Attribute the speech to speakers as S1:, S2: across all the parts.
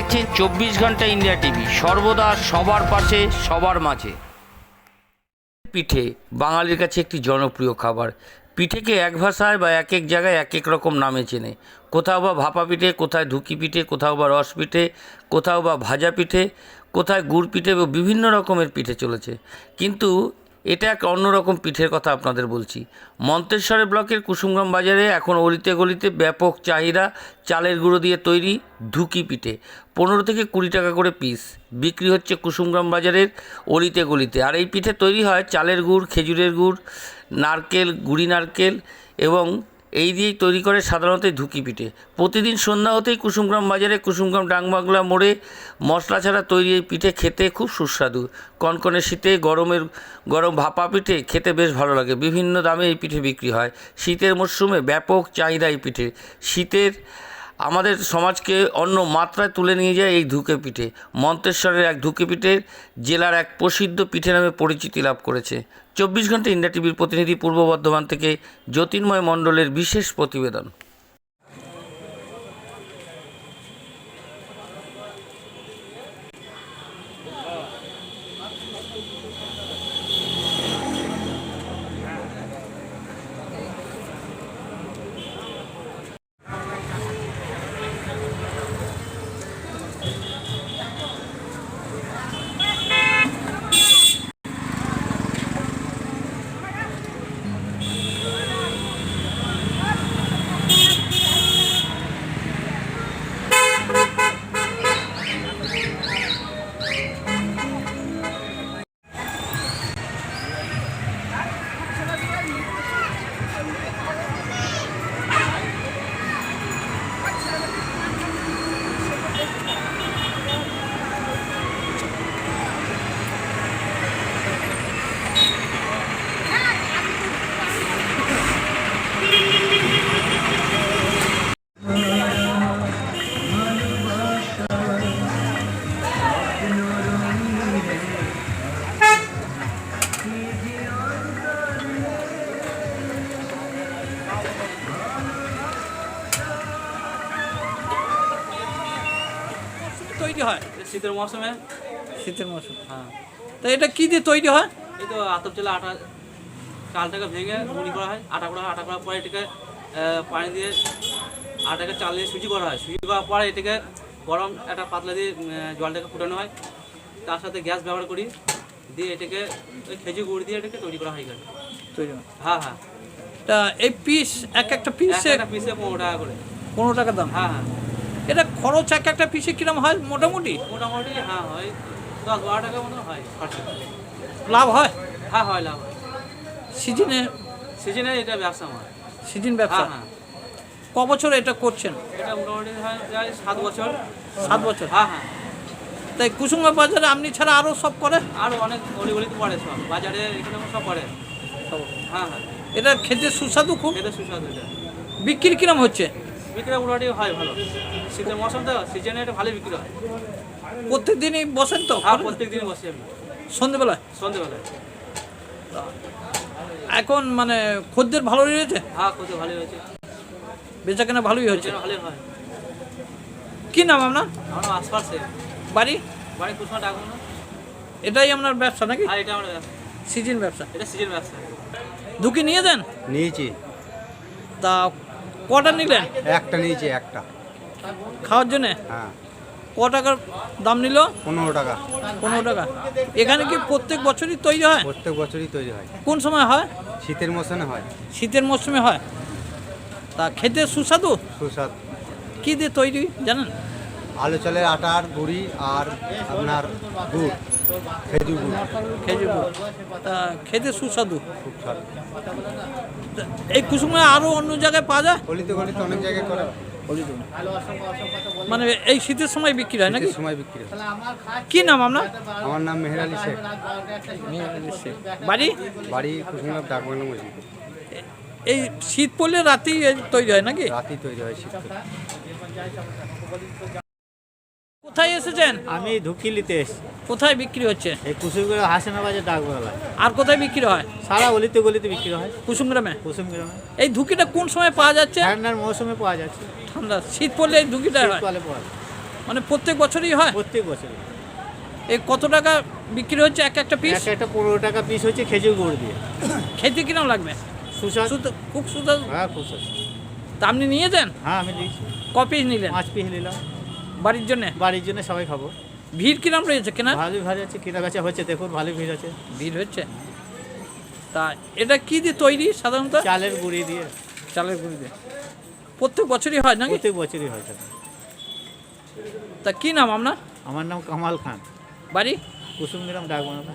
S1: দেখছেন 24 ঘন্টা India TV, সর্বদা সবার পাশে সবার মাঝে। পিঠে বাঙালির কাছে একটি জনপ্রিয় খাবার। পিঠেকে এক ভাষায় বা এক এক জায়গায় এক এক রকম নামে চেনে। কোথাও বা ভাপা পিঠে, কোথায় ধুকি পিঠে, কোথাও বা রস পিঠে, কোথাও বা ভাজা পিঠে, কোথায় গুড় পিঠে, বিভিন্ন রকমের পিঠে চলেছে। কিন্তু এটা এক অন্যরকম পিঠের কথা আপনাদের বলছি। মন্তেশ্বরের ব্লকের কুসুমগ্রাম বাজারে এখন অলিতে গলিতে ব্যাপক চাহিদা চালের গুঁড়ো দিয়ে তৈরি ধুকি পিঠে। 15 থেকে 20 টাকা করে পিস বিক্রি হচ্ছে কুসুমগ্রাম বাজারের অলিতে গলিতে। আর এই পিঠে তৈরি হয় চালের গুড়, খেজুরের গুড়, নারকেল, গুঁড়ি নারকেল এবং এই দিয়েই তৈরি করে সাধারণত ধুকি পিঠে। প্রতিদিন সন্ধ্যা হতেই কুসুমগ্রাম বাজারে কুসুমগ্রাম ডাকবাংলা মোড়ে মশলা ছাড়া তৈরি এই পিঠে খেতে খুব সুস্বাদু। কনকনে শীতে গরম ভাপা পিঠে খেতে বেশ ভালো লাগে। বিভিন্ন দামে এই পিঠে বিক্রি হয়। শীতের মরশুমে ব্যাপক চাহিদা এই পিঠে। শীতের আমাদের সমাজকে অন্য মাত্রায় তুলে নিয়ে যায় এই ধুকে পিঠে। মন্তেশ্বরের এক ধুকে পিঠে জেলার এক প্রসিদ্ধ পিঠে নামে পরিচিতি লাভ করেছে। 24 ঘন্টা ইন্ডিয়া টিভির প্রতিনিধি পূর্ব বর্ধমান থেকে জ্যোতির্ময় মণ্ডলের বিশেষ প্রতিবেদন।
S2: তৈরি হয়
S3: শীতের মৌসুমে।
S2: শীতের মৌসুম।
S3: হ্যাঁ,
S2: তো এটা কি দিয়ে তৈরি হয়?
S3: এই তো আতপ চালে আটা, চালটাকে ভেঙে মুড়ি করা হয়, আটা করা হয়। আটা করার পরে এটাকে পানি দিয়ে আটাকে চাল দিয়ে সুজি করা হয়। সুজি করার পরে এটাকে গরম একটা পাতলা দিয়ে জলটাকে ফুটানো হয়। তার সাথে গ্যাস ব্যবহার করি, দিয়ে এটাকে ওই খেজুর গুড় দিয়ে এটাকে তৈরি করা হয় এখানে।
S2: তৈরি হয়।
S3: হ্যাঁ হ্যাঁ,
S2: তা এই পিস একটা পিসে
S3: একটা পিসে 15 টাকা করে।
S2: 15 টাকা দাম।
S3: হ্যাঁ হ্যাঁ,
S2: এটা খরচ একটা পিসে কিরম হয় মোটামুটি?
S3: মোটামুটি হ্যাঁ হয় 10-12 টাকা মতো হয় খরচা।
S2: লাভ হয়?
S3: হ্যাঁ হয়, লাভ হয়।
S2: সিজনে
S3: সিজনে এটা ব্যবসা আমার।
S2: সিজন ব্যবসা।
S3: হ্যাঁ হ্যাঁ,
S2: ক বছর এটা করছেন?
S3: এটা মোটামুটি হয় প্রায় 7 বছর।
S2: 7 বছর।
S3: হ্যাঁ হ্যাঁ,
S2: তাই কুসুমগ্রাম বাজারে আপনি ছাড়া আরও সব করে?
S3: আরও অনেক অলিগলিতে পড়ে সব, বাজারে এখানে সব পড়ে। হ্যাঁ হ্যাঁ,
S2: এটা খেতে সুস্বাদু খুব।
S3: খেতে সুস্বাদু। এটা
S2: বিক্রি কিরম হচ্ছে?
S3: বিক্রি মোটামুটি হয় ভালো। শীতের মৌসুম তো, সিজনে এটা ভালোই বিক্রি হয়।
S2: প্রত্যেক দিনই বসেন তো?
S3: হ্যাঁ, প্রত্যেক দিনই বসি আমি
S2: সন্ধ্যেবেলায়?
S3: সন্ধ্যেবেলায়।
S2: এখন মানে খদ্দের ভালো রয়েছে?
S3: হ্যাঁ, করতে ভালোই হয়েছে,
S2: বেচা কেনা ভালোই হচ্ছে।
S3: ভালোই হয়।
S2: কি নাম আপনার?
S3: আমার আশপাশে
S2: বাড়ি?
S3: বাড়ি কুসমা ডাকুন না।
S2: এটাই আপনার ব্যবসা নাকি?
S3: হ্যাঁ, এটা আমার ব্যবসা।
S2: সিজন ব্যবসা?
S3: এটা সিজন ব্যবসা।
S2: ঢুকি নিয়ে দেন?
S4: নিয়েছি,
S2: তা কটা নিলেন?
S4: একটা নিয়েছি, একটা।
S2: খাওয়ার জন্যে?
S4: হ্যাঁ,
S2: ক টাকার দাম নিল?
S4: 15 টাকা।
S2: 15 টাকা। এখানে কি প্রত্যেক বছরই তৈরি হয়?
S4: প্রত্যেক বছরই তৈরি হয়।
S2: কোন সময় হয়?
S4: শীতের মৌসুমে হয়।
S2: শীতের মরশুমে হয়। তা খেতে সুস্বাদু?
S4: সুস্বাদ।
S2: কী দিয়ে তৈরি জানেন?
S4: আলু চালের আটার গুঁড়ি আর আপনার গুড়, খেজুর গুড়।
S2: খেজুর গুড়। তা খেতে সুস্বাদু।
S4: খুব স্বাদ।
S2: তা এই কুসুমে আরও অন্য জায়গায় পাওয়া যায়?
S4: গলিতে গলিতে অনেক জায়গায় করে।
S2: মানে এই শীতের সময় বিক্রি হয় নাকি?
S4: শীতের সময় বিক্রি হয়।
S2: কি নাম আপনার?
S4: আমার নাম মেহের আলী শেখ।
S2: বাড়ি?
S4: বাড়ি কুসুমগ্রাম ডাকবাংলা মসজিদ।
S2: এই শীত পড়লে রাতেই তৈরি হয় নাকি?
S4: রাতেই তৈরি হয় শীত।
S2: কোথায় এসেছেন?
S5: আমি ধুকিলিতে এসেছি।
S2: কোথায় বিক্রি হচ্ছে?
S5: এই কুসুমগ্রাম হাসিনা বাজার ডাকবাংলায়।
S2: আর কোথায় বিক্রি হয়?
S5: সারা গলিতে গলিতে বিক্রি হয়
S2: কুসুমগ্রামে।
S5: কুসুমগ্রামে।
S2: এই ধুকিটা কোন সময় পাওয়া যাচ্ছে?
S5: ঠান্ডার মৌসুমে পাওয়া যাচ্ছে,
S2: ঠান্ডা শীত পড়লে এই ধুকিটা হয়।
S5: শীতকালে পাওয়া যায়।
S2: মানে প্রত্যেক বছরই হয়?
S5: প্রত্যেক বছর
S2: এই কত টাকা বিক্রি হচ্ছে একটা পিস?
S5: একটা 15 টাকা পিস হচ্ছে খেজুর গুড় দিয়ে।
S2: খেতে কিরম লাগবে?
S5: সুস্বাদু।
S2: খুব সুস্বাদু।
S5: হ্যাঁ, খুব সুস্বাদু।
S2: তা আপনি নিয়ে যান?
S5: হ্যাঁ, আমি দিয়েছি।
S2: ক পিস নিলেন?
S5: 5 পিস নিলাম।
S2: বাড়ির জন্য?
S5: বাড়ির জন্য সবাই খাবো।
S2: ভিড় কিরম রয়েছে কেনা?
S5: ভালোই ভালো আছে, কেনা বেচা হচ্ছে, দেখুন ভালোই ভিড় আছে।
S2: ভিড় হচ্ছে। তা এটা কি দিয়ে তৈরি সাধারণত?
S5: চালের গুঁড়ি দিয়ে।
S2: চালের গুঁড়ি দিয়ে। প্রত্যেক বছরই হয় নাকি?
S5: প্রত্যেক বছরই হয় থাকে।
S2: তা কি নাম আপনার?
S5: আমার নাম কামাল খান,
S2: বাড়ি?
S5: কুসুমগ্রাম ডাকবাংলা।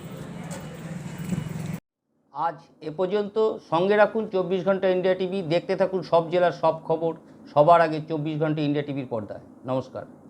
S1: আজ এ পর্যন্ত। সঙ্গে রাখুন 24 ঘন্টা ইন্ডিয়া টিভি। দেখতে থাকুন সব জেলার সব খবর সবার আগে 24 ঘন্টা ইন্ডিয়া টিভির পর্দায়। নমস্কার।